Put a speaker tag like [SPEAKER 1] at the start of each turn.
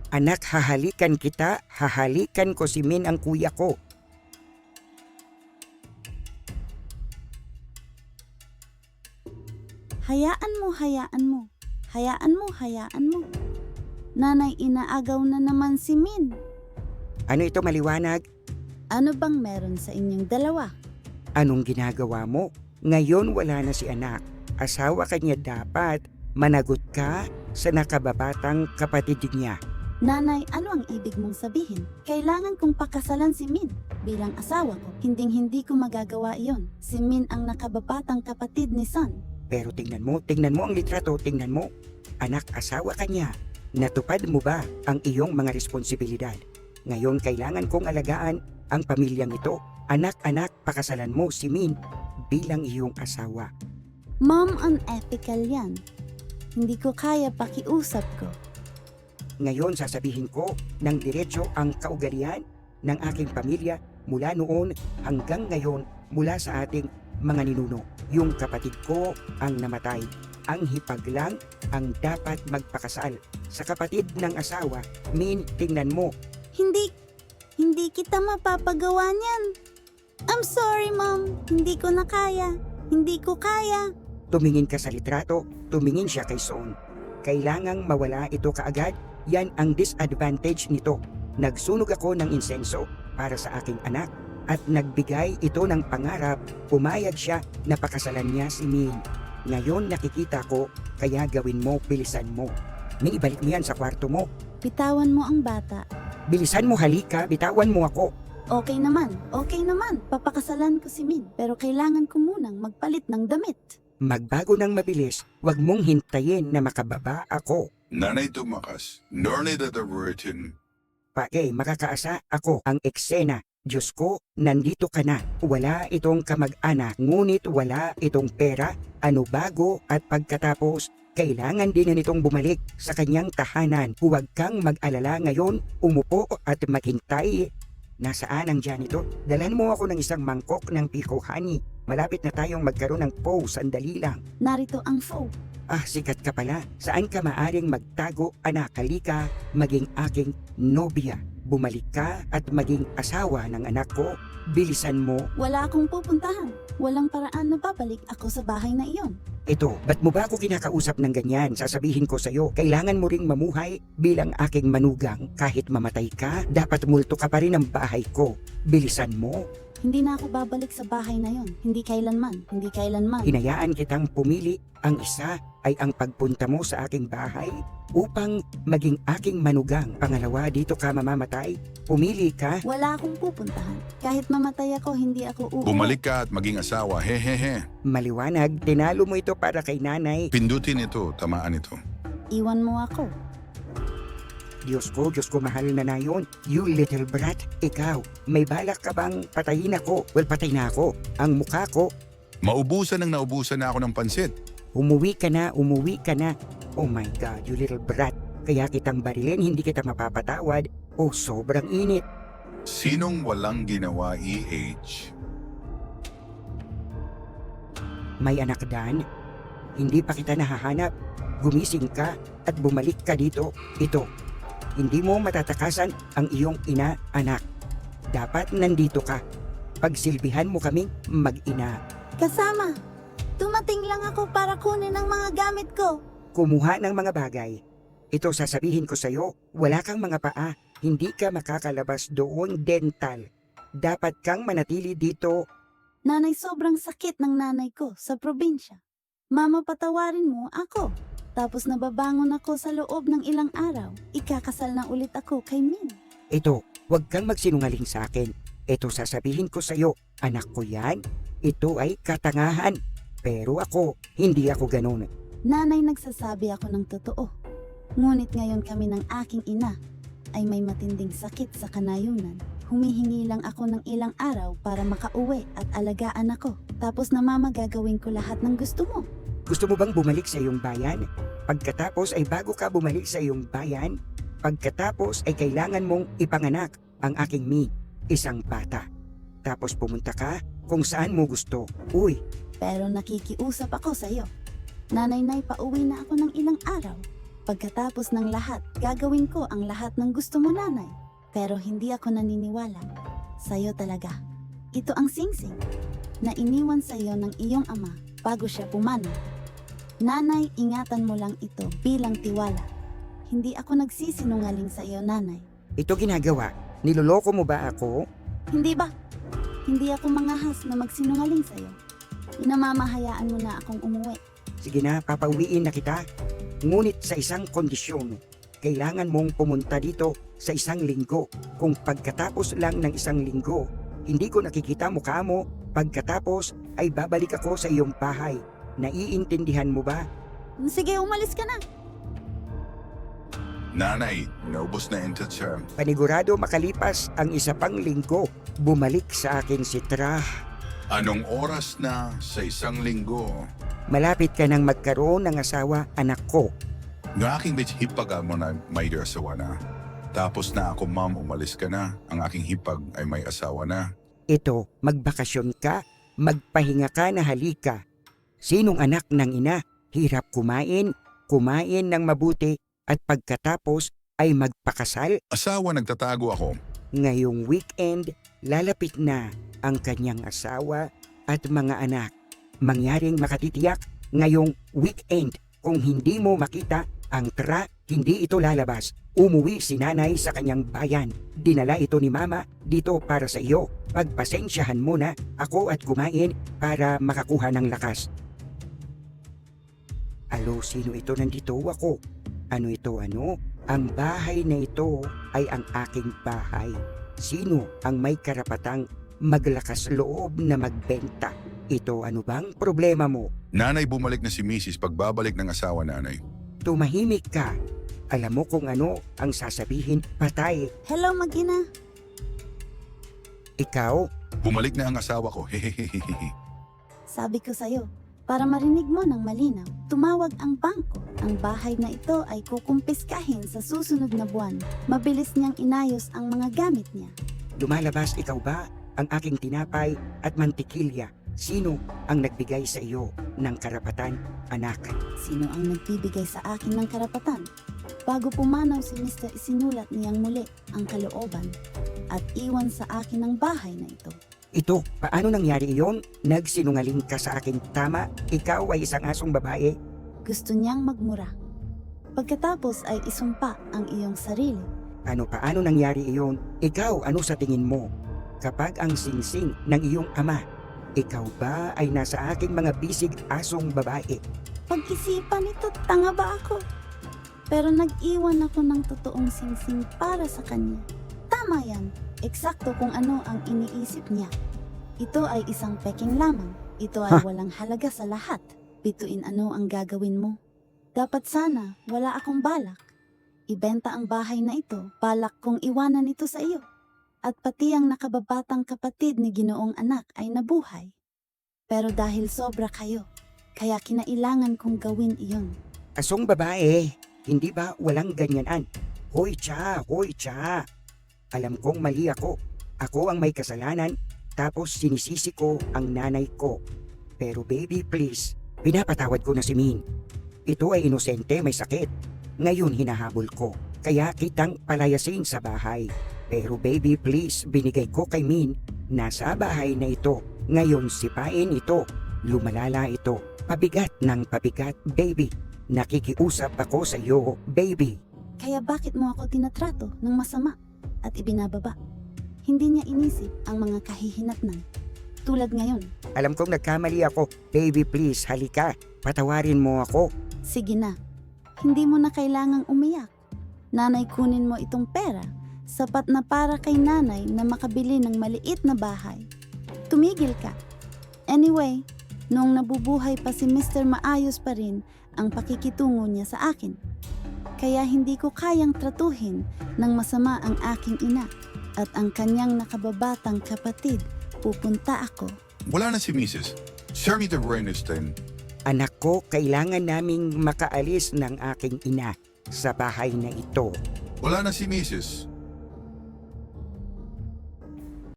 [SPEAKER 1] Anak, hahalikan kita, hahalikan ko si Min ang kuya ko.
[SPEAKER 2] Hayaan mo, hayaan mo. Hayaan mo, hayaan mo. Nanay, inaagaw na naman si Min.
[SPEAKER 1] Ano ito maliwanag?
[SPEAKER 2] Ano bang meron sa inyong dalawa?
[SPEAKER 1] Anong ginagawa mo? Ngayon wala na si anak. Asawa ka niya dapat. Managot ka sa nakababatang kapatid niya.
[SPEAKER 2] Nanay, ano ang ibig mong sabihin? Kailangan kong pakasalan si Min. Bilang asawa ko, hinding-hindi ko magagawa iyon. Si Min ang nakababatang kapatid ni Son.
[SPEAKER 1] Pero tingnan mo ang litrato, tingnan mo. Anak, asawa ka niya. Natupad mo ba ang iyong mga responsibilidad? Ngayon kailangan kong alagaan ang pamilyang ito. Anak, pakasalan mo si Min bilang iyong asawa.
[SPEAKER 2] Mom, unethical yan. Hindi ko kaya pakiusap ko.
[SPEAKER 1] Ngayon sasabihin ko ng diretso ang kaugalian ng aking pamilya mula noon hanggang ngayon mula sa ating mga ninuno. Yung kapatid ko ang namatay. Ang hipag lang ang dapat magpakasal. Sa kapatid ng asawa, Min, tingnan mo.
[SPEAKER 2] Hindi kita mapapagawa niyan. I'm sorry, Mom. Hindi ko na kaya. Hindi ko kaya.
[SPEAKER 1] Tumingin ka sa litrato, tumingin siya kay Son. Kailangang mawala ito kaagad. Yan ang disadvantage nito. Nagsunog ako ng insenso para sa aking anak at nagbigay ito ng pangarap. Pumayag siya na pakasalan niya si Min. Ngayon nakikita ko, kaya gawin mo, bilisan mo. Min, ibalik mo yan sa kwarto mo.
[SPEAKER 2] Bitawan mo ang bata.
[SPEAKER 1] Bilisan mo, halika, bitawan mo ako.
[SPEAKER 2] Okay naman. Papakasalan ko si Min. Pero kailangan ko munang magpalit ng damit.
[SPEAKER 1] Magbago ng mabilis, huwag mong hintayin na makababa ako.
[SPEAKER 3] Nanay tumakas, nor na tawarin.
[SPEAKER 1] Makakaasa ako ang eksena. Diyos ko, nandito ka na. Wala itong kamag-anak, ngunit wala itong pera. Ano bago at pagkatapos, kailangan din na nitong bumalik sa kanyang tahanan. Huwag kang mag-alala ngayon, umupo at maghintay. Nasaan ang janitor? Dalhan mo ako ng isang mangkok ng pico honey. Malapit na tayong magkaroon ng pho, sandali lang.
[SPEAKER 2] Narito ang pho.
[SPEAKER 1] Sikat ka pala. Saan ka maaring magtago, anak? Halika, maging aking nobya. Bumalik ka at maging asawa ng anak ko. Bilisan mo.
[SPEAKER 2] Wala akong pupuntahan. Walang paraan na babalik ako sa bahay na iyon.
[SPEAKER 1] Ito, ba't mo ba ako kinakausap ng ganyan? Sasabihin ko sa'yo, kailangan mo ring mamuhay bilang aking manugang. Kahit mamatay ka, dapat multo ka pa rin ng bahay ko. Bilisan mo.
[SPEAKER 2] Hindi na ako babalik sa bahay na yon. Hindi kailanman.
[SPEAKER 1] Hinayaan kitang pumili. Ang isa ay ang pagpunta mo sa aking bahay upang maging aking manugang. Pangalawa, dito ka mamamatay. Pumili ka.
[SPEAKER 2] Wala akong pupuntahan. Kahit mamatay ako, hindi ako uuwi.
[SPEAKER 3] Bumalik ka at maging asawa, hehehe.
[SPEAKER 1] Maliwanag, tinalo mo ito para kay nanay.
[SPEAKER 3] Pindutin ito, tamaan ito.
[SPEAKER 2] Iwan mo ako.
[SPEAKER 1] Diyos ko, mahal na yun. You little brat, ikaw, may balak ka bang patayin ako? Well, patay na ako. Ang mukha ko,
[SPEAKER 3] Naubusan na ako ng pansit.
[SPEAKER 1] umuwi ka na. Oh my God, you little brat. Kaya kitang barilin, hindi kita mapapatawad. Oh, sobrang init.
[SPEAKER 3] Sinong walang ginawa, EH?
[SPEAKER 1] May anak, Dan. Hindi pa kita nahahanap. Gumising ka at bumalik ka dito. Ito, hindi mo matatakasan ang iyong ina, anak. Dapat nandito ka. Pagsilbihan mo kaming mag-ina.
[SPEAKER 2] Kasama. Tumating lang ako para kunin ang mga gamit ko.
[SPEAKER 1] Kumuha ng mga bagay. Ito sasabihin ko sa'yo, wala kang mga paa. Hindi ka makakalabas doon, dental. Dapat kang manatili dito.
[SPEAKER 2] Nanay, sobrang sakit ng nanay ko sa probinsya. Mama, patawarin mo ako. Tapos nababangon ako sa loob ng ilang araw. Ikakasal na ulit ako kay Min.
[SPEAKER 1] Ito, huwag kang magsinungaling sa akin. Ito sasabihin ko sa'yo, anak ko yan. Ito ay katangahan. Pero ako, hindi ako ganun.
[SPEAKER 2] Nanay, nagsasabi ako ng totoo. Ngunit ngayon kami ng aking ina ay may matinding sakit sa kanayunan. Humihingi lang ako ng ilang araw para makauwi at alagaan ako. Tapos na mama, gagawin ko lahat ng gusto mo.
[SPEAKER 1] Gusto mo bang bumalik sa iyong bayan? Pagkatapos ay bago ka bumalik sa iyong bayan, pagkatapos ay kailangan mong ipanganak ang aking Mi, isang bata. Tapos pumunta ka kung saan mo gusto. Uy,
[SPEAKER 2] Pero nakikiusap ako sa iyo. Nanay, pauwi na ako ng ilang araw. Pagkatapos ng lahat, gagawin ko ang lahat ng gusto mo, nanay. Pero hindi ako naniniwala. Sa'yo talaga. Ito ang singsing na iniwan sa'yo ng iyong ama bago siya pumanaw. Nanay, ingatan mo lang ito bilang tiwala. Hindi ako nagsisinungaling sa iyo, nanay.
[SPEAKER 1] Ito ginagawa. Niloloko mo ba ako?
[SPEAKER 2] Hindi ba? Hindi ako mangahas na magsinungaling sa iyo. Inamamahayaan mo na akong umuwi.
[SPEAKER 1] Sige na, papauwiin na kita. Ngunit sa isang kondisyon, kailangan mong pumunta dito sa isang linggo. Kung pagkatapos lang ng isang linggo, hindi ko nakikita mukha mo, pagkatapos ay babalik ako sa iyong bahay. Naiintindihan mo ba?
[SPEAKER 2] Sige, umalis ka na.
[SPEAKER 3] Nanay, naubos na integer.
[SPEAKER 1] Panigurado makalipas ang isa pang linggo, bumalik sa akin si Tra.
[SPEAKER 3] Anong oras na sa isang linggo?
[SPEAKER 1] Malapit ka nang magkaroon ng asawa, anak ko.
[SPEAKER 3] Ng aking hipagal mo na may asawa na. Tapos na ako, ma'am, umalis ka na. Ang aking hipag ay may asawa na.
[SPEAKER 1] Ito, magbakasyon ka, magpahinga ka na halika. Sinong anak ng ina, hirap kumain ng mabuti at pagkatapos ay magpakasal?
[SPEAKER 3] Asawa, nagtatago ako.
[SPEAKER 1] Ngayong weekend, lalapit na ang kanyang asawa at mga anak. Mangyaring makatitiyak ngayong weekend. Kung hindi mo makita ang Tra, hindi ito lalabas. Umuwi si nanay sa kanyang bayan. Dinala ito ni mama dito para sa iyo. Pagpasensyahan mo na ako at kumain para makakuha ng lakas. Alo, sino ito? Nandito ako. Ano ito, ano? Ang bahay na ito ay ang aking bahay. Sino ang may karapatang maglakas loob na magbenta? Ito, ano bang problema mo?
[SPEAKER 3] Nanay, bumalik na si Mrs. pagbabalik ng asawa, nanay.
[SPEAKER 1] Tumahimik ka. Alam mo kung ano ang sasabihin, patay.
[SPEAKER 2] Hello, mag-ina.
[SPEAKER 1] Ikaw,
[SPEAKER 3] Bumalik na ang asawa ko. Hehehehe.
[SPEAKER 2] Sabi ko sa'yo, para marinig mo ng malinaw, tumawag ang bangko. Ang bahay na ito ay kukumpiskahin sa susunod na buwan. Mabilis niyang inayos ang mga gamit niya.
[SPEAKER 1] lumalabas ikaw ba ang aking tinapay at mantikilya? Sino ang nagbigay sa iyo ng karapatan, anak?
[SPEAKER 2] Sino ang nagbibigay sa akin ng karapatan? Bago pumanaw si Mr. isinulat niyang muli ang kalooban at iwan sa akin ang bahay na ito.
[SPEAKER 1] Ito, paano nangyari iyon? Nagsinungaling ka sa akin, tama? Ikaw ay isang asong babae.
[SPEAKER 2] Gusto niyang magmura. Pagkatapos ay isumpa ang iyong sarili.
[SPEAKER 1] Paano nangyari iyon? Ikaw, ano sa tingin mo? Kapag ang singsing ng iyong ama, ikaw ba ay nasa aking mga bisig asong babae?
[SPEAKER 2] Pag-isipan ito, tanga ba ako? Pero nag-iwan ako ng totoong singsing para sa kanya. Tama yan, eksakto kung ano ang iniisip niya. Ito ay isang peking lamang. Ito ay walang halaga sa lahat. Bituin ano ang gagawin mo. Dapat sana wala akong balak. Ibenta ang bahay na ito, balak kong iwanan ito sa iyo. At pati ang nakababatang kapatid ni Ginoong anak ay nabuhay. Pero dahil sobra kayo, kaya kinailangan kong gawin iyon.
[SPEAKER 1] Asong babae, hindi ba walang ganyanan? Hoy cha, hoy cha. Alam kong mali ako. Ako ang may kasalanan, tapos sinisisi ko ang nanay ko. Pero baby please, pinapatawad ko na si Min. Ito ay inosente, may sakit. Ngayon hinahabol ko, kaya kitang palayasin sa bahay. Pero baby please, binigay ko kay Min, nasa bahay na ito. Ngayon sipain ito, lumalala ito, pabigat ng pabigat, baby. Nakikiusap ako sa iyo, baby.
[SPEAKER 2] Kaya bakit mo ako tinatrato ng masama at ibinababa? Hindi niya inisip ang mga kahihinatnan. Tulad ngayon.
[SPEAKER 1] Alam kong nagkamali ako, baby please, halika, patawarin mo ako.
[SPEAKER 2] Sige na, hindi mo na kailangang umiyak. Nanay, kunin mo itong pera. Sapat na para kay nanay na makabili ng maliit na bahay. Tumigil ka. Anyway, noong nabubuhay pa si Mr. Maayos pa rin ang pakikitungo niya sa akin. Kaya hindi ko kayang tratuhin ng masama ang aking ina at ang kanyang nakababatang kapatid. Pupunta ako.
[SPEAKER 3] Wala na si Mrs. Senator Bernstein.
[SPEAKER 1] Anak ko, kailangan naming makaalis ng aking ina sa bahay na ito.
[SPEAKER 3] Wala na si Mrs.